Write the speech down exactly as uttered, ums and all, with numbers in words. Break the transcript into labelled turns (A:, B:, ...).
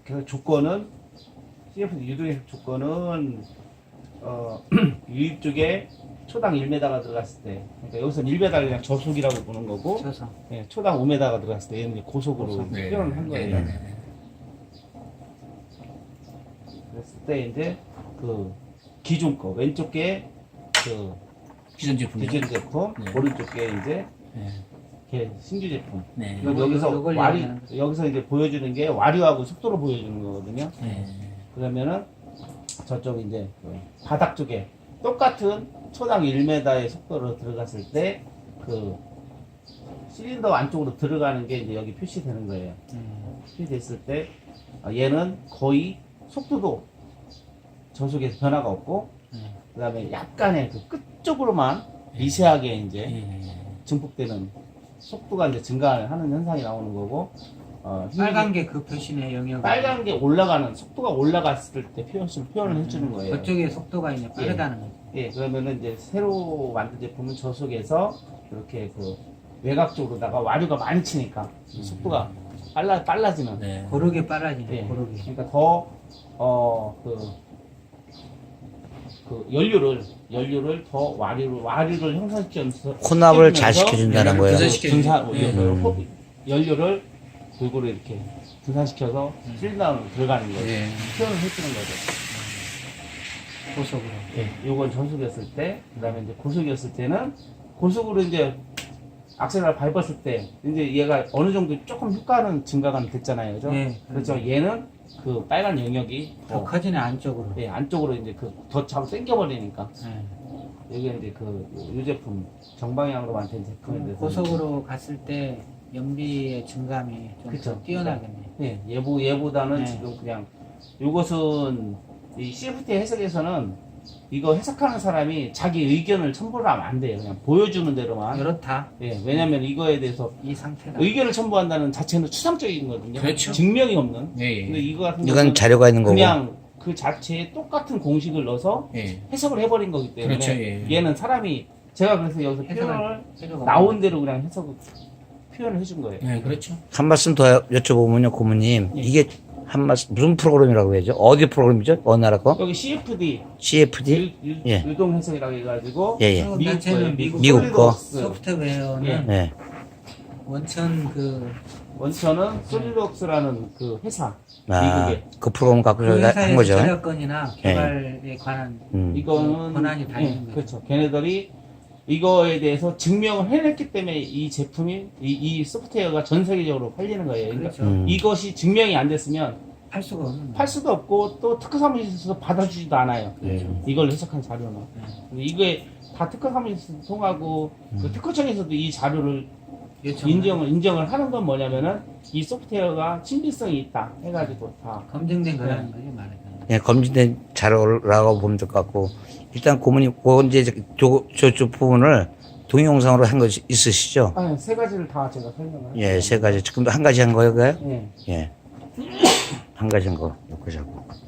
A: 그래서 조건은 씨에프디 유도의 조건은 어, 유입 쪽에 초당 일 미터가 들어갔을 때, 그러니까 여기서는 일 미터를 그냥 저속이라고 보는 거고,
B: 저속.
A: 예, 초당 오 미터가 들어갔을 때 얘는 이제 고속으로
B: 고속.
C: 네.
A: 표현을 한 거예요.
C: 네, 네, 네.
A: 그랬을 때 이제 그 기존 거 왼쪽 게그
C: 기존 제품.
A: 기존 제품,
C: 네.
A: 오른쪽 게 이제
C: 네.
A: 걔 신규 제품.
C: 네.
A: 그럼
B: 요거,
A: 여기서
B: 요걸
A: 와류,
B: 얘기하는 거죠.
A: 여기서 이제 보여주는 게 와류하고 속도로 보여주는 거거든요.
C: 네.
A: 그러면은 저쪽 이제 그 바닥 쪽에 똑같은 초당 일 미터의 속도로 들어갔을 때 그 실린더 안쪽으로 들어가는 게 이제 여기 표시되는 거예요.
B: 음.
A: 표시됐을 때 아, 얘는 거의 속도도 저속에서 변화가 없고
B: 음.
A: 그 다음에 약간의 그 끝쪽으로만 미세하게 이제
C: 예.
A: 증폭되는 속도가 이제 증가하는 현상이 나오는 거고 어,
B: 빨간 게 그 표시네 영역.
A: 빨간 게 올라가는 속도가 올라갔을 때 표현을 표현을 해주는 거예요.
B: 그쪽에 속도가 이제 빠르다는 거죠.
A: 예, 그러면은 이제 새로 만든 제품은 저속에서 이렇게 그 외곽 쪽으로다가 와류가 많이 치니까 속도가 빨라 빨라지는.
C: 네.
B: 고르게 빨라지네.
A: 예,
B: 고르게.
A: 그러니까 더어그 그 연료를 연료를 더 와류를 와류를 형성시켜서
D: 혼합을 잘
A: 시켜주면서
D: 시켜준다는
C: 네,
D: 거예요.
C: 분산시켜-
A: 분산
C: 네.
A: 연료를, 연료를 골고루 이렇게 분산시켜서 실린더로 들어가는 거예요.
C: 네.
A: 표현을 해주는 거죠.
B: 고속으로.
A: 예, 요건 전속이었을 때, 그 다음에 이제 고속이었을 때는, 고속으로 이제 악셀을 밟았을 때, 이제 얘가 어느 정도 조금 효과는 증가가 됐잖아요. 그죠?
B: 네.
A: 그렇죠. 얘는 그 빨간 영역이
B: 더
A: 더,
B: 커지네 안쪽으로.
A: 예, 안쪽으로 이제 그 더 잡아 당겨버리니까.
B: 네.
A: 여기 이제 그, 이 제품, 정방향으로 만든 제품에 대해서.
B: 고속으로 갔을 때 연비의 증감이 좀
A: 그쵸.
B: 더 뛰어나겠네.
A: 예, 얘보, 얘보다는
B: 네.
A: 지금 그냥, 요것은, 이 씨에프티 해석에서는 이거 해석하는 사람이 자기 의견을 첨부를 하면 안 돼요. 그냥 보여주는 대로만.
B: 이렇다.
A: 예, 왜냐면 이거에 대해서
B: 이 상태다.
A: 의견을 첨부한다는 자체는 추상적인 거거든요.
C: 그렇죠.
A: 증명이 없는.
C: 예.
A: 근데 이거 같은
D: 이건
A: 경우는
D: 자료가 있는 거고.
A: 그냥 그 자체에 똑같은 공식을 넣어서
C: 예.
A: 해석을 해버린 거기 때문에
C: 그렇죠, 예.
A: 얘는 사람이 제가 그래서 여기서 표현을
B: 해석할 필요가
A: 나온 대로 그냥 해석 표현을 해준 거예요.
C: 예, 그렇죠.
D: 한 말씀 더 여쭤보면요, 고모님.
A: 예.
D: 이게 한 말씀, 무슨 프로그램이라고 해야죠? 어디 프로그램이죠? 어느 나라 거?
A: 여기 씨에프디
D: 씨에프디?
A: 유, 유,
D: 예.
A: 유동 해석이라고 해가지고
D: 예, 예.
B: 한국
A: 미국
B: 단체는
A: 거예요.
B: 미국
D: 미국 거.
A: 솔리드웍스.
B: 소프트웨어는
A: 예.
D: 네.
B: 원천 그,
A: 원천은 솔리드웍스라는 그 회사
D: 아,
A: 미국에
D: 그 프로그램 갖고
B: 그
D: 저희가 한
B: 회사의
D: 거죠.
B: 저작권이나 개발에 관한
D: 음.
A: 이거는
B: 권한이 다
A: 예,
B: 있는 거죠.
A: 그렇죠. 걔네들이 이거에 대해서 증명을 해냈기 때문에 이 제품이 이, 이 소프트웨어가 전 세계적으로 팔리는 거예요. 그러니까
B: 그렇죠.
D: 음.
A: 이것이 증명이 안 됐으면
B: 팔 수가 없는
A: 팔 수도 없고 또 특허 사무실에서 받아주지도 않아요.
D: 음.
A: 이걸 해석한 자료는.
B: 네.
A: 근데 이게 다 특허 사무실에서 통하고 그 특허청에서도 이 자료를
B: 요청
A: 인정을 인정을 하는 건 뭐냐면은 이 소프트웨어가 신빙성이 있다 해가지고 다
B: 검증된 거라는 거지 말하자면.
D: 예, 검증된 자료라고 보면 될 것 같고. 일단 고모님, 그 이제 저, 저쪽 부분을 동영상으로 한 거 있으시죠?
A: 아, 세 가지를 다 제가 설명을.
D: 예, 세 가지. 지금도 한 가지 한 거예요, 그거요?
A: 예.
D: 예. 한 가지 한 거, 놓고 자고.